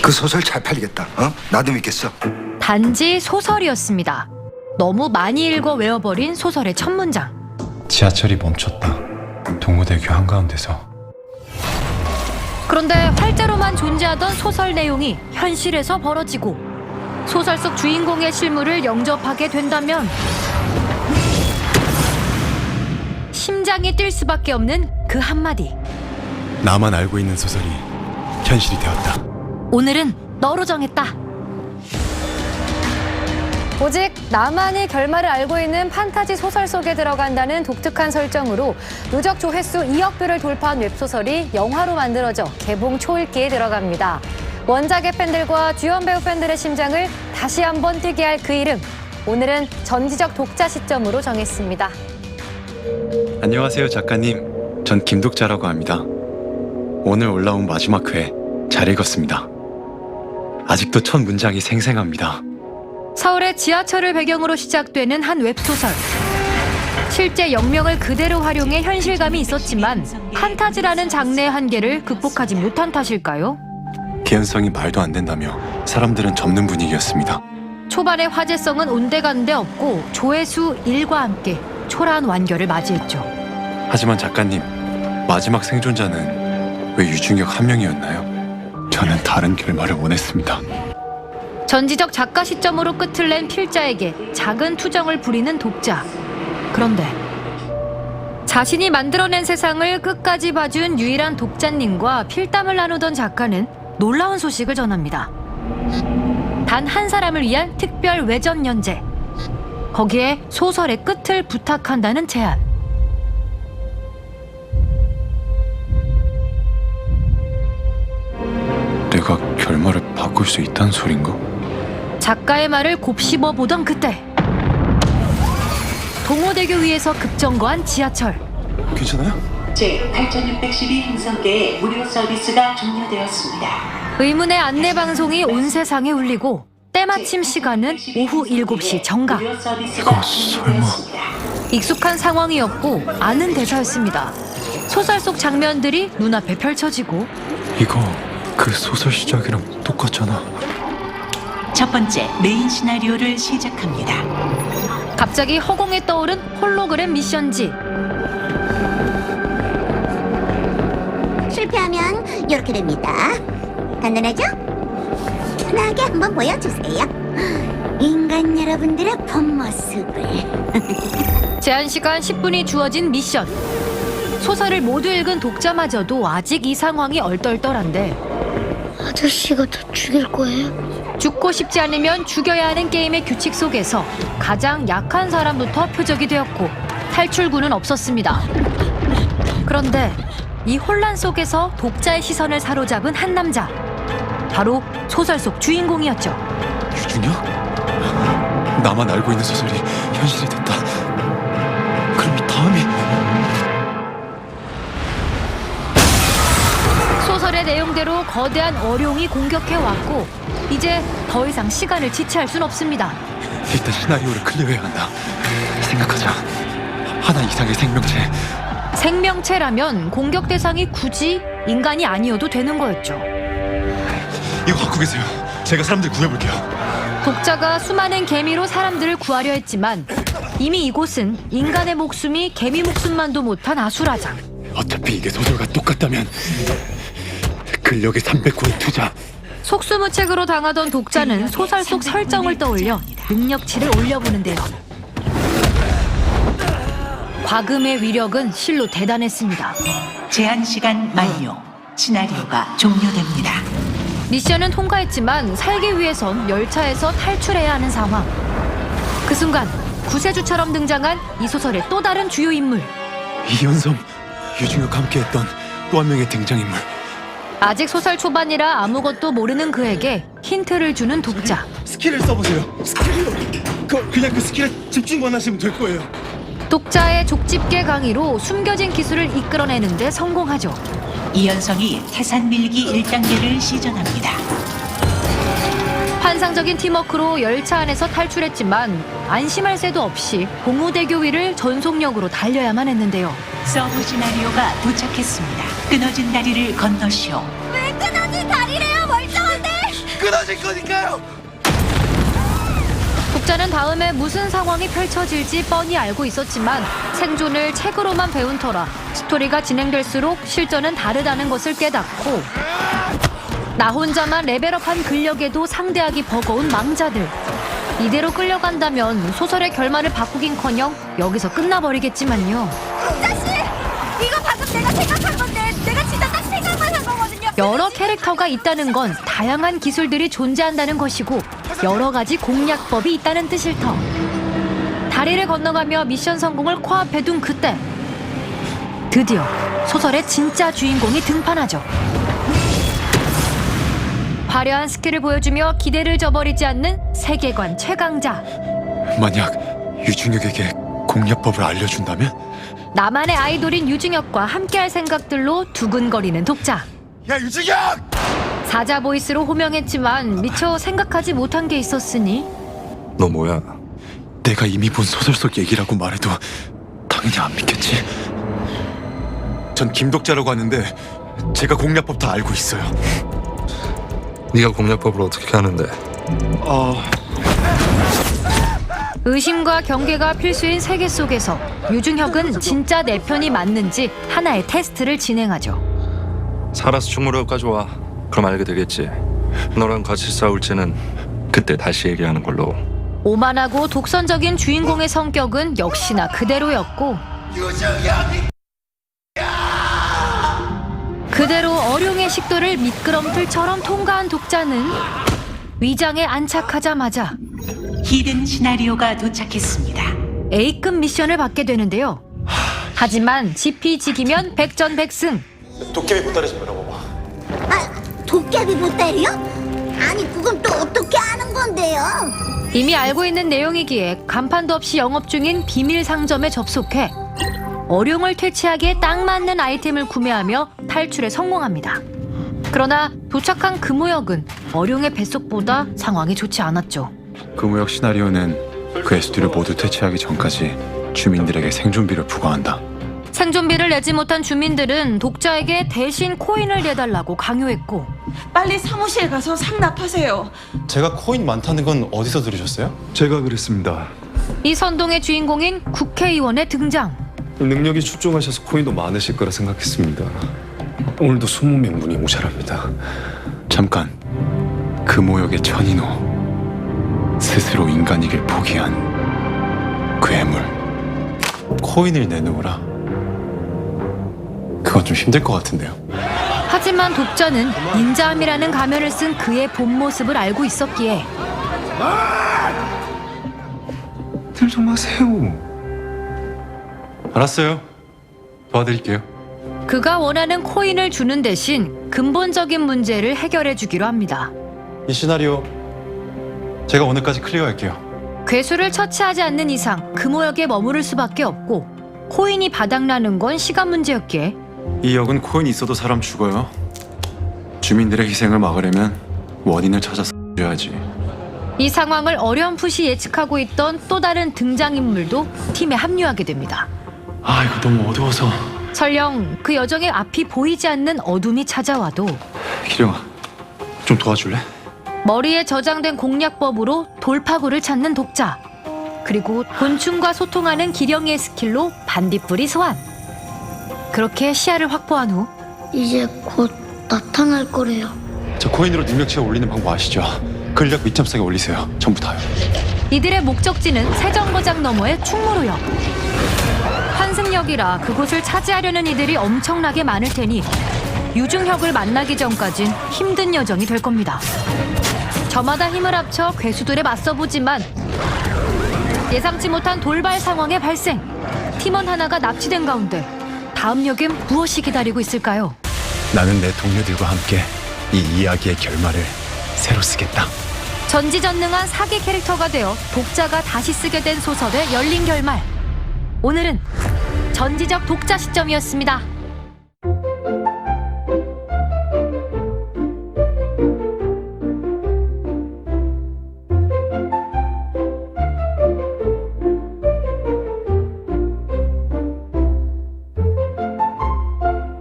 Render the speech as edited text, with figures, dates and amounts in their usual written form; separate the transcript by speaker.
Speaker 1: 그 소설 잘 팔리겠다. 나도 믿겠어.
Speaker 2: 단지 소설이었습니다. 너무 많이 읽어 외워버린 소설의 첫 문장.
Speaker 3: 지하철이 멈췄다. 동호대교 한가운데서.
Speaker 2: 그런데 활자로만 존재하던 소설 내용이 현실에서 벌어지고 소설 속 주인공의 실물을 영접하게 된다면 심장이 뛸 수밖에 없는 그 한마디.
Speaker 3: 나만 알고 있는 소설이 현실이 되었다.
Speaker 2: 오늘은 너로 정했다.
Speaker 4: 오직 나만이 결말을 알고 있는 판타지 소설 속에 들어간다는 독특한 설정으로 누적 조회수 2억 뷰를 돌파한 웹소설이 영화로 만들어져 개봉 초읽기에 들어갑니다. 원작의 팬들과 주연 배우 팬들의 심장을 다시 한번 뛰게 할 그 이름. 오늘은 전지적 독자 시점으로 정했습니다.
Speaker 3: 안녕하세요, 작가님. 전 김독자라고 합니다. 오늘 올라온 마지막 회 잘 읽었습니다. 아직도 첫 문장이 생생합니다.
Speaker 2: 서울의 지하철을 배경으로 시작되는 한 웹소설. 실제 역명을 그대로 활용해 현실감이 있었지만 판타지라는 장르의 한계를 극복하지 못한 탓일까요?
Speaker 3: 개연성이 말도 안 된다며 사람들은 접는 분위기였습니다.
Speaker 2: 초반의 화제성은 온데간데 없고 조회수 1과 함께 초라한 완결을 맞이했죠.
Speaker 3: 하지만 작가님, 마지막 생존자는 왜 유중혁 한 명이었나요? 저는 다른 결말을 원했습니다.
Speaker 2: 전지적 작가 시점으로 끝을 낸 필자에게 작은 투정을 부리는 독자. 그런데 자신이 만들어낸 세상을 끝까지 봐준 유일한 독자님과 필담을 나누던 작가는 놀라운 소식을 전합니다. 단 한 사람을 위한 특별 외전 연재. 거기에 소설의 끝을 부탁한다는 제안.
Speaker 3: 내가 결말을 바꿀 수 있다는 소린가?
Speaker 2: 작가의 말을 곱씹어 보던 그때 동호대교 위에서 급정거한 지하철.
Speaker 3: 괜찮아요?
Speaker 5: 제8612 행성계의 무료 서비스가 종료되었습니다.
Speaker 2: 의문의 안내 방송이 온 세상에 울리고 때마침 시간은 오후 7시 정각.
Speaker 5: 무료 서비스가 종료되었습니다.
Speaker 2: 익숙한 상황이었고 아는 대사였습니다. 소설 속 장면들이 눈앞에 펼쳐지고
Speaker 3: 이거 그 소설 시작이랑 똑같잖아.
Speaker 5: 첫 번째 메인 시나리오를 시작합니다.
Speaker 2: 갑자기 허공에 떠오른 홀로그램 미션지.
Speaker 6: 실패하면 이렇게 됩니다. 간단하죠? 편하게 한번 보여주세요. 인간 여러분들의 본 모습을.
Speaker 2: 제한 시간 10분이 주어진 미션. 소설을 모두 읽은 독자마저도 아직 이 상황이 얼떨떨한데
Speaker 6: 아저씨가 더 죽일 거예요?
Speaker 2: 죽고 싶지 않으면 죽여야 하는 게임의 규칙 속에서 가장 약한 사람부터 표적이 되었고 탈출구는 없었습니다. 그런데 이 혼란 속에서 독자의 시선을 사로잡은 한 남자. 바로 소설 속 주인공이었죠.
Speaker 3: 유중혁? 나만 알고 있는 소설이 현실이 됐다. 그럼 이 다음이...
Speaker 2: 소설의 내용대로 거대한 어룡이 공격해왔고 이제 더 이상 시간을 지체할 순 없습니다.
Speaker 3: 일단 시나리오를 클리어해야 한다. 생각하자. 하나 이상의 생명체.
Speaker 2: 생명체라면 공격 대상이 굳이 인간이 아니어도 되는 거였죠.
Speaker 3: 이거 갖고 계세요. 제가 사람들 구해볼게요.
Speaker 2: 독자가 수많은 개미로 사람들을 구하려 했지만 이미 이곳은 인간의 목숨이 개미 목숨만도 못한 아수라장.
Speaker 3: 어차피 이게 소설과 똑같다면 근력의 300호의 투자.
Speaker 2: 속수무책으로 당하던 독자는 소설 속 설정을 떠올려 능력치를 올려보는데요. 과금의 위력은 실로 대단했습니다.
Speaker 5: 제한 시간 만료. 시나리오가 종료됩니다.
Speaker 2: 미션은 통과했지만 살기 위해선 열차에서 탈출해야 하는 상황. 그 순간 구세주처럼 등장한 이 소설의 또 다른 주요 인물.
Speaker 3: 이현성, 유중혁과 함께했던 또 한 명의 등장인물.
Speaker 2: 아직 소설 초반이라 아무것도 모르는 그에게 힌트를 주는 독자.
Speaker 7: 스킬을 써보세요. 스킬이요? 그냥 그 스킬에 집중만 하시면 될 거예요.
Speaker 2: 독자의 족집게 강의로 숨겨진 기술을 이끌어내는 데 성공하죠.
Speaker 5: 이현성이 태산 밀기 1단계를 시전합니다.
Speaker 2: 환상적인 팀워크로 열차 안에서 탈출했지만 안심할 새도 없이 동호대교 위를 전속력으로 달려야만 했는데요.
Speaker 5: 서브 시나리오가 도착했습니다. 끊어진 다리를 건너시오.
Speaker 6: 왜 끊어진 다리래요, 멀쩡한데?
Speaker 7: 없어질 거니까요.
Speaker 2: 독자는 다음에 무슨 상황이 펼쳐질지 뻔히 알고 있었지만 생존을 책으로만 배운 터라 스토리가 진행될수록 실전은 다르다는 것을 깨닫고 나 혼자만 레벨업한 근력에도 상대하기 버거운 망자들. 이대로 끌려간다면 소설의 결말을 바꾸긴커녕 여기서 끝나버리겠지만요.
Speaker 6: 이거 방금 내가 생각한 건데 내가 진짜 딱 생각만 한 거거든요.
Speaker 2: 여러 캐릭터가 있다는 건 다양한 기술들이 존재한다는 것이고 여러 가지 공략법이 있다는 뜻일 터. 다리를 건너가며 미션 성공을 코앞에 둔 그때 드디어 소설의 진짜 주인공이 등판하죠. 화려한 스킬을 보여주며 기대를 저버리지 않는 세계관 최강자.
Speaker 3: 만약 유중혁에게 공략법을 알려준다면?
Speaker 2: 나만의 아이돌인 유중혁과 함께할 생각들로 두근거리는 독자.
Speaker 7: 야 유중혁!
Speaker 2: 사자 보이스로 호명했지만 미처 생각하지 못한 게 있었으니
Speaker 3: 너 뭐야? 내가 이미 본 소설 속 얘기라고 말해도 당연히 안 믿겠지. 전 김독자라고 하는데 제가 공략법 다 알고 있어요.
Speaker 8: 네가 공략법을 어떻게 하는데?
Speaker 2: 의심과 경계가 필수인 세계 속에서 유중혁은 진짜 내 편이 맞는지 하나의 테스트를 진행하죠.
Speaker 8: 살아서 충무로까지 와. 그럼 알게 되겠지. 너랑 같이 싸울지는 그때 다시 얘기하는 걸로.
Speaker 2: 오만하고 독선적인 주인공의 성격은 역시나 그대로였고 그대로 어룡의 식도를 미끄럼틀처럼 통과한 독자는 위장에 안착하자마자
Speaker 5: 히든 시나리오가 도착했습니다.
Speaker 2: A급 미션을 받게 되는데요. 하지만 지피지기면 백전백승.
Speaker 3: 도깨비 보따리 좀 열어봐봐.
Speaker 6: 아, 도깨비 보따리요? 아니 그건 또 어떻게 아는 건데요?
Speaker 2: 이미 알고 있는 내용이기에 간판도 없이 영업 중인 비밀 상점에 접속해 어룡을 퇴치하기에 딱 맞는 아이템을 구매하며 탈출에 성공합니다. 그러나 도착한 금호역은 어룡의 뱃속보다 상황이 좋지 않았죠.
Speaker 3: 금호역 시나리오는 그 에스두를 모두 퇴치하기 전까지 주민들에게 생존비를 부과한다.
Speaker 2: 생존비를 내지 못한 주민들은 독자에게 대신 코인을 내달라고 강요했고
Speaker 9: 빨리 사무실 가서 상납하세요.
Speaker 3: 제가 코인 많다는 건 어디서 들으셨어요?
Speaker 8: 제가 그랬습니다.
Speaker 2: 이 선동의 주인공인 국회의원의 등장.
Speaker 8: 능력이 출중하셔서 코인도 많으실 거라 생각했습니다. 오늘도 20명 분이 모자랍니다.
Speaker 3: 잠깐. 금호역의 천인호. 스스로 인간이길 포기한 괴물. 코인을 내놓으라. 그건 좀 힘들 것 같은데요.
Speaker 2: 하지만 독자는 인자함이라는 가면을 쓴 그의 본 모습을 알고 있었기에
Speaker 8: 들 좀 하세요.
Speaker 3: 알았어요. 도와드릴게요.
Speaker 2: 그가 원하는 코인을 주는 대신 근본적인 문제를 해결해 주기로 합니다.
Speaker 3: 이 시나리오 제가 오늘까지 클리어할게요.
Speaker 2: 괴수를 처치하지 않는 이상 금호역에 머무를 수밖에 없고 코인이 바닥나는 건 시간 문제였기에
Speaker 3: 이 역은 코인이 있어도 사람 죽어요. 주민들의 희생을 막으려면 원인을 찾아서 줘야지.
Speaker 2: 이 상황을 어렴풋이 예측하고 있던 또 다른 등장인물도 팀에 합류하게 됩니다.
Speaker 3: 아, 이거 너무 어두워서.
Speaker 2: 설령 그 여정의 앞이 보이지 않는 어둠이 찾아와도
Speaker 3: 기령아, 좀 도와줄래?
Speaker 2: 머리에 저장된 공략법으로 돌파구를 찾는 독자. 그리고 곤충과 소통하는 기령의 스킬로 반딧불이 소환. 그렇게 시야를 확보한 후
Speaker 6: 이제 곧 나타날 거래요.
Speaker 3: 저 코인으로 능력치가 올리는 방법 아시죠? 근력 밑참싸게 올리세요. 전부 다요.
Speaker 2: 이들의 목적지는 세정거장 너머의 충무로역. 환승역이라 그곳을 차지하려는 이들이 엄청나게 많을 테니 유중혁을 만나기 전까진 힘든 여정이 될 겁니다. 저마다 힘을 합쳐 괴수들에 맞서보지만 예상치 못한 돌발 상황의 발생. 팀원 하나가 납치된 가운데 다음 역엔 무엇이 기다리고 있을까요?
Speaker 3: 나는 내 동료들과 함께 이 이야기의 결말을 새로 쓰겠다.
Speaker 2: 전지전능한 사기 캐릭터가 되어 독자가 다시 쓰게 된 소설의 열린 결말. 오늘은 전지적 독자 시점이었습니다.